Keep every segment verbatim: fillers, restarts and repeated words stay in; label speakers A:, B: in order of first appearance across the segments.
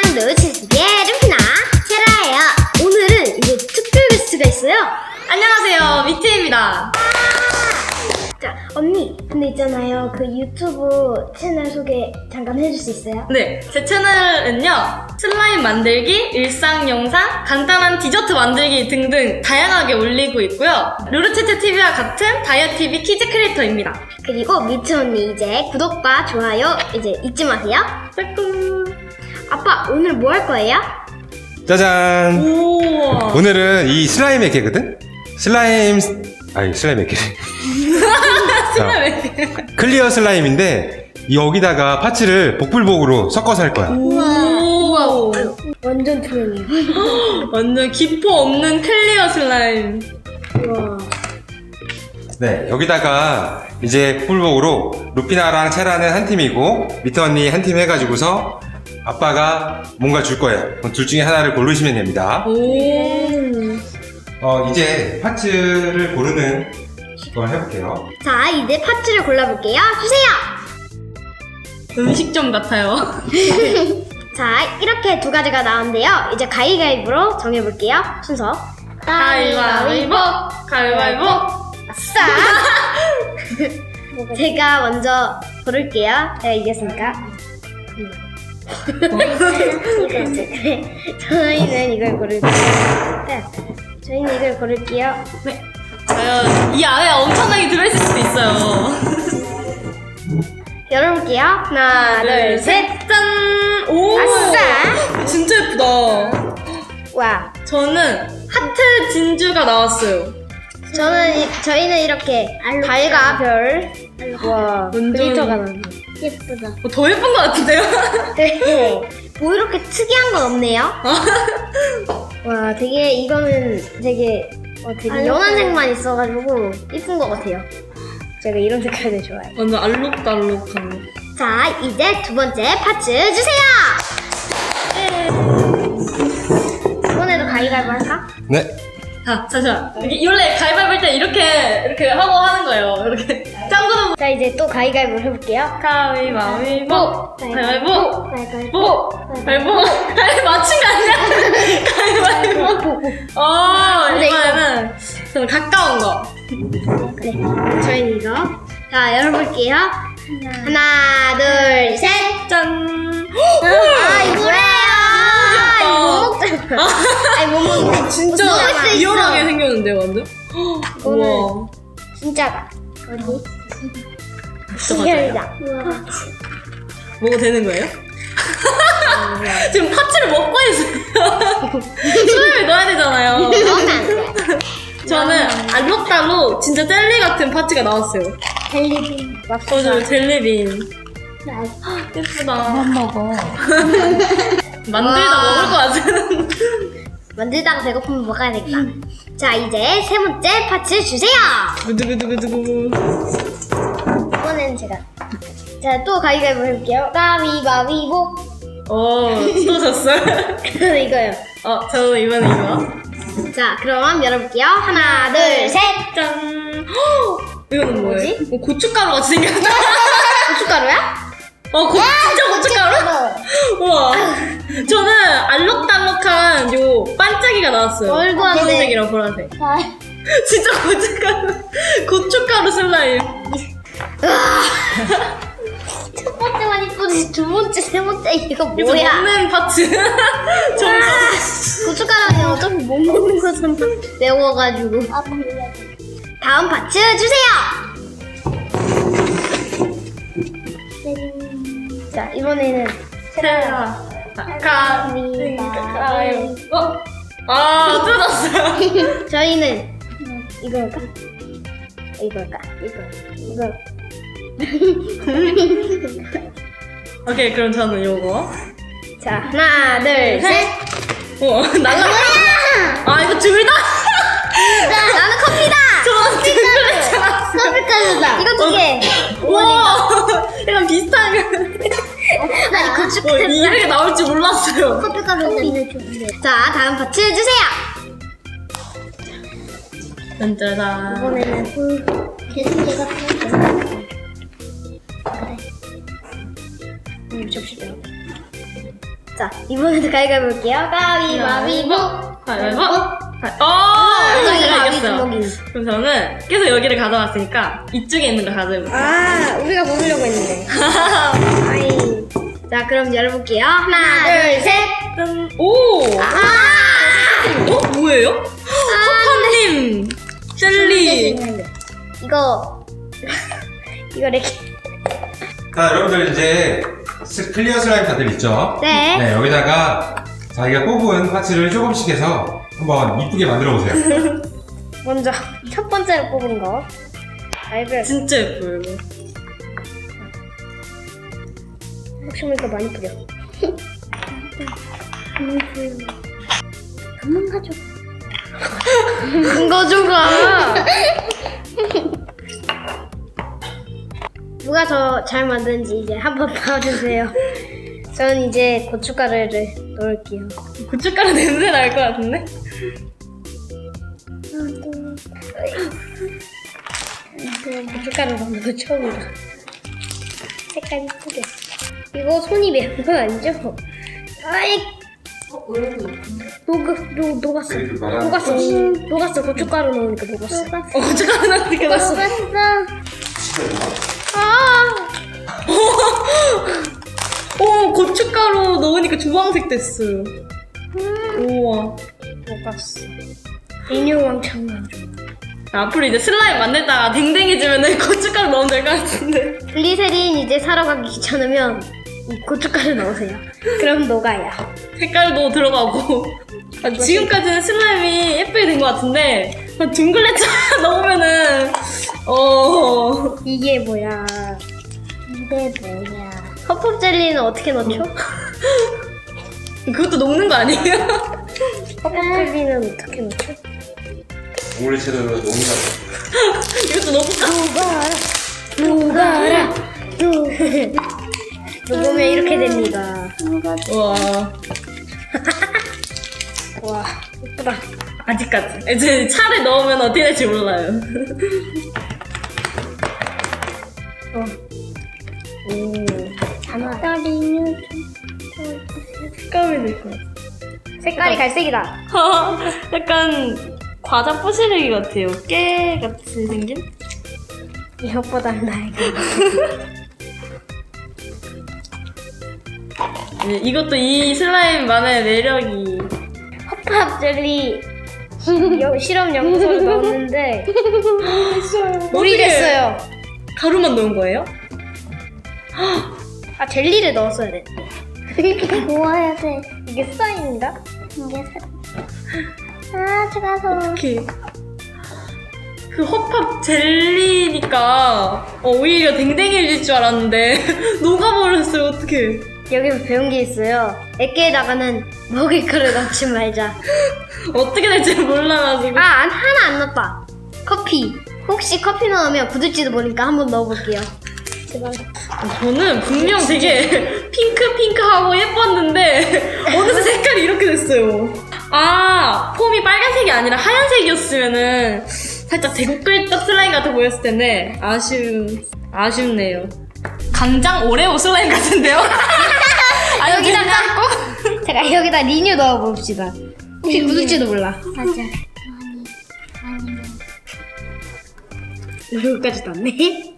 A: 루치스의 루피나 세라예요. 오늘은 이제 특별 게스트가 있어요.
B: 안녕하세요, 미트입니다.
A: 자, 언니, 근데 있잖아요. 그 유튜브 채널 소개 잠깐 해줄 수 있어요?
B: 네, 제 채널은요, 슬라임 만들기, 일상 영상, 간단한 디저트 만들기 등등 다양하게 올리고 있고요. 루루체체티비와 같은 다이어티비 키즈 크리에이터입니다.
A: 그리고 미트 언니 이제 구독과 좋아요 이제 잊지 마세요.
B: 빠꾸.
A: 아빠, 오늘 뭐 할 거예요?
C: 짜잔!
B: 우와.
C: 오늘은 이 슬라임 액기거든? 슬라임, 아니, 슬라임 액기.
B: 슬라임.
C: 클리어 슬라임인데, 여기다가 파츠를 복불복으로 섞어서 할 거야.
B: 우와.
A: 완전 투명해요.
B: 완전 기포 없는 클리어 슬라임.
A: 우와.
C: 네, 여기다가 이제 복불복으로 루피나랑 체라는 한 팀이고, 미트 언니 한 팀 해가지고서 아빠가 뭔가 줄 거예요. 그럼 둘 중에 하나를 고르시면 됩니다.
B: 오.
C: 어, 이제 파츠를 고르는 걸 해볼게요.
A: 자, 이제 파츠를 골라볼게요. 주세요!
B: 음식점 같아요.
A: 자, 이렇게 두 가지가 나왔는데요. 이제 가위가위보로 정해볼게요. 순서.
B: 가위바위보, 가위바위보.
A: 아싸! 제가 먼저 고를게요. 제가 이겼으니까. 저희는 이걸 고를게요. 네, 저희는 이걸 고를게요.
B: 네. 과연 이 안에 엄청나게 들어있을 수도 있어요.
A: 열어볼게요. 하나, 둘, 셋.
B: 짠! 오!
A: 아싸!
B: 진짜 예쁘다.
A: 와.
B: 저는 하트 진주가 나왔어요.
A: 저는, 이, 저희는 이렇게 달과 별. 와,
B: 완전-
A: 글리터가 나네. 예쁘다.
B: 어, 더 예쁜 것 같은데요?
A: 네. 뭐 이렇게 특이한 건 없네요. 와, 되게 이거는 되게 어, 되게 연한 색만 있어가지고 이쁜 것 같아요. 제가 이런 색깔들 좋아해요.
B: 완전 알록달록한.
A: 자, 이제 두 번째 파츠 주세요. 이번에도 가위바위보 할까?
C: 네.
B: 자, 잠시만. 이게 원래 가위바위보 할 때 이렇게, 이렇게 하고 하는 거예요. 이렇게. 짱구도
A: 자, 이제 또 가위바위보 해볼게요.
B: 가위바위보. 가위바위보.
A: 가위바위보.
B: 보! 가위바위보. 가위 맞춘 거 아니야? 가위바위보. 어,
A: 근데
B: 이번에는 좀 가까운 거.
A: 네, 저희는 이거. 자, 열어볼게요. 하나, 둘, 셋.
B: 짠!
A: 아, 이거래요. 이거 못 먹잖아. 아니, 못 먹는데.
B: 진짜
A: 먹을 수 있어.
B: 리얼하게 생겼는데, 완전?
A: 이거는
B: 우와.
A: 진짜다. 어디?
B: 진짜
A: 희열이다.
B: 먹어도 되는 거예요? 지금 파츠를 먹고 있어요. 수염을 넣어야 되잖아요.
A: 넣으면 안 돼.
B: 저는 알록달록 진짜 젤리 같은 파츠가 나왔어요.
A: 젤리빈.
B: 맞아요, 젤리빈. 예쁘다. 한 먹어. 만들다
A: 와.
B: 먹을 것 같은.
A: 만들다가 배고프면 먹어야겠다. 자, 이제 세 번째 파츠 주세요.
B: 두구두구두구.
A: 이번에는 제가. 자, 또 가위바위보 해볼게요. 가위바위보.
B: 어, 또 졌어요?
A: 저는 이거요.
B: 어, 저는 이번에 이거.
A: 자, 그럼 열어볼게요. 하나, 둘, 셋.
B: 짠. 헉, 이거는 뭐예요?
A: 뭐지?
B: 어, 고춧가루 같이 생겼다.
A: 고춧가루야?
B: 어, 고, 진짜 고춧가루? 우와. 저는 알록달록한 요 반짝이가 나왔어요.
A: 말도 안 돼.
B: 파란색이랑 보라색. 진짜 고춧가루. 고춧가루 슬라임.
A: 첫 번째만 이쁘지 두 번째, 세 번째 이거
B: 이거
A: 뭐야?
B: 먹는 파츠. 정말.
A: 고춧가루는 어차피 못 먹는 거잖아. 매워가지고. 다음 파츠 주세요. 자, 이번에는
B: 세라. 가위바위보. 어? 아, 뜯었어요.
A: 저희는 이걸까? 이걸까? 이거. 이거.
B: 오케이, 그럼 저는 요거.
A: 자, 하나, 둘, 셋.
B: 어, 날라.
A: 뭐야?
B: 아, 이거 둘 다?
A: 나는 커피다.
B: 저는 둥글했잖아.
A: 커피가루다. 이거 두 개.
B: 와, 약간 비슷한 거.
A: 아니,
B: 어,
A: 고춧가루.
B: 이렇게 나올 줄 몰랐어요.
A: 커피가루. 자, 다음 파츠 주세요.
B: 짠짜잔.
A: 이번에는 계속 제가 그래. 음, 접시다. 자, 이번에도 가위바위보 볼게요. 가위바위보.
B: 가위바위보. 어,
A: 저기
B: 제가
A: 가위
B: 이겼어요.
A: 주먹이.
B: 그럼 저는 계속 여기를 가져왔으니까 이쪽에 있는 거 가져볼게요.
A: 아, 우리가 고르려고 했는데. 아이. 자, 그럼 열어볼게요. 하나, 둘, 셋.
B: 짠. 오!
A: 아!
B: 어? 뭐예요? 허팝님! 젤리!
A: 이거, 이거 이렇게.
C: 자, 여러분들 이제 스- 클리어 슬라임 다들 있죠?
A: 네.
C: 네, 여기다가 자기가 뽑은 파츠를 조금씩 해서 한번 이쁘게 만들어 보세요.
A: 먼저, 첫 번째로 뽑은 거. 가위바위보.
B: 진짜 예뻐요, 이거.
A: 혹시 모르니까 많이 뿌려. 그만 가져. 큰 거 줘가. 누가 더 잘 만드는지 이제 한번 봐주세요. 저는 이제 고춧가루를 넣을게요.
B: 고춧가루 냄새 날 것 같은데?
A: 고춧가루 넣는 거 처음이다. 색깔 이쁘게. 이거 손이 매운 건 아니죠? 아이. 녹, 녹, 녹았어. 녹았어. 녹았어. 고춧가루 넣으니까 녹았어.
B: 어, 고춧가루 나니까 났어.
A: 아!
B: 오, 고춧가루 넣으니까 주황색 됐어요. 우와.
A: 녹았어. 인용왕창 나죠.
B: 앞으로 이제 슬라임 만들다가 댕댕해지면은 고춧가루 넣으면 될 것 같은데.
A: 글리세린 이제 사러 가기 귀찮으면 이 고춧가루 넣으세요. 그럼 녹아요.
B: 색깔도 들어가고. 아, 지금까지는 슬라임이 예쁘게 된 것 같은데 아, 둥글레차 넣으면은 어
A: 이게 뭐야? 이게 뭐야? 허팝 젤리는 어떻게 넣죠?
B: 그것도 녹는 거 아니에요?
A: 허팝 젤리는 어떻게 넣죠?
C: 둥글레채로 녹는다.
B: 이것도 녹을까?
A: 녹아라, 녹아라, 녹으면 이렇게 됩니다.
B: 와
A: 와, 예쁘다.
B: 아직까지 이제 차를 넣으면 어떻게 될지 몰라요.
A: 어. 오, 하나.
B: 색감이 될 것 같아.
A: 색깔이 갈색이다.
B: 약간 과자 부시래기 같아요. 깨 같이 생긴?
A: 이것보다는 나에게.
B: 네, 이것도 이 슬라임만의 매력이.
A: 허팝 젤리 여- 실험 연구소를 넣었는데 물이
B: 어떡해.
A: 됐어요.
B: 가루만 넣은 거예요?
A: 아, 젤리를 넣었어야 돼. 모아야 돼. 이게 슬라임인가? 이게 아, 차가워.
B: 어떡해. 그 허팝 젤리니까 어, 오히려 댕댕이일 줄 알았는데 녹아버렸어요. 어떡해.
A: 여기서 배운 게 있어요. 액계에다가는 먹을 거를 넣지 말자.
B: 어떻게 될지 몰라가지고.
A: 아, 안, 하나 안 넣었다. 커피. 혹시 커피 넣으면 굳을지도 모르니까 한번 넣어볼게요. 제발.
B: 저는 분명 되게 핑크핑크하고 예뻤는데 어느새 색깔이 이렇게 됐어요. 아, 폼이 빨간색이 아니라 하얀색이었으면은 살짝 대구끌떡 슬라임 같아 보였을 텐데 아쉬운, 아쉽네요. 간장 오레오 슬라임 같은데요? 아니,
A: 여기다가-
B: 괜찮고?
A: 제가 여기다 리뉴 넣어봅시다. 혹시 굳을지도 몰라.
D: 맞아.
A: 여기까지 넣네.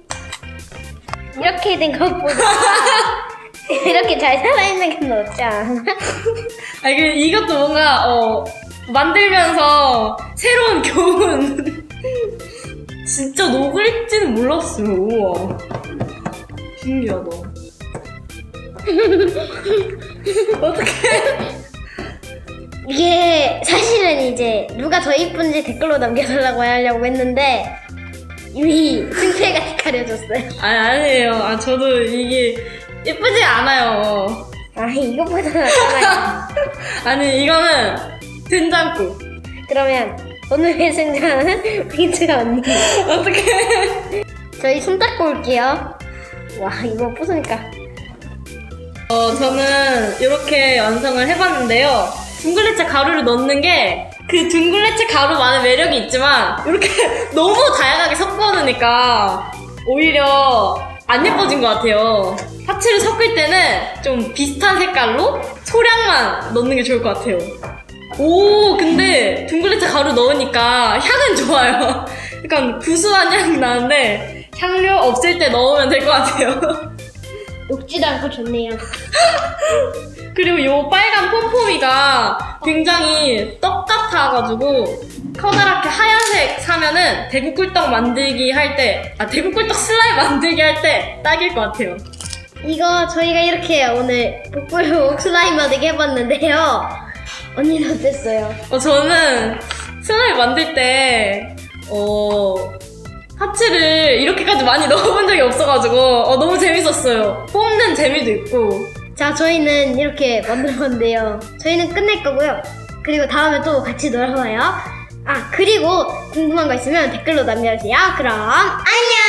A: 이렇게 된 것보다 이렇게 잘 살아있는 게 낫지 않아?
B: 아니, 그 이것도 뭔가, 어, 만들면서 새로운 교훈. 진짜 녹을지는 몰랐어요. 우와. 신기하다. 어떡해.
A: 이게 사실은 이제 누가 더 이쁜지 댓글로 남겨달라고 하려고 했는데 이미 승패가 가려졌어요.
B: 아니, 아니에요. 아, 저도 이게 예쁘지 않아요.
A: 아, 이것보다 낫잖아요.
B: 아니, 이거는 된장국.
A: 그러면 오늘의 승자는 핑크가 언니.
B: 어떡해.
A: 저희 손 닦고 올게요. 와, 이거 부수니까.
B: 어, 저는 이렇게 완성을 해봤는데요. 둥글레차 가루를 넣는 게 그 둥글레차 가루만의 매력이 있지만 이렇게 너무 다양하게 섞어 놓으니까 오히려 안 예뻐진 것 같아요. 파츠를 섞을 때는 좀 비슷한 색깔로 소량만 넣는 게 좋을 것 같아요. 오, 근데 둥글레차 가루 넣으니까 향은 좋아요. 약간 구수한 향이 나는데 향료 없을 때 넣으면 될 것 같아요.
A: 녹지도 않고 좋네요.
B: 그리고 요 빨간 폼폼이가 굉장히 떡 같아가지고 커다랗게 하얀색 사면은 대구 꿀떡 만들기 할 때, 아 대구 꿀떡 슬라임 만들기 할 때 딱일 것 같아요.
A: 이거 저희가 이렇게 오늘 복불복 슬라임 만들기 해봤는데요. 언니는 어땠어요?
B: 어, 저는 슬라임 만들 때, 어, 파츠를 이렇게까지 많이 넣어본 적이 없어가지고, 어, 너무 재밌었어요. 뽑는 재미도 있고.
A: 자, 저희는 이렇게 만들었는데요. 저희는 끝낼 거고요. 그리고 다음에 또 같이 놀아봐요. 아, 그리고 궁금한 거 있으면 댓글로 남겨주세요. 그럼 안녕!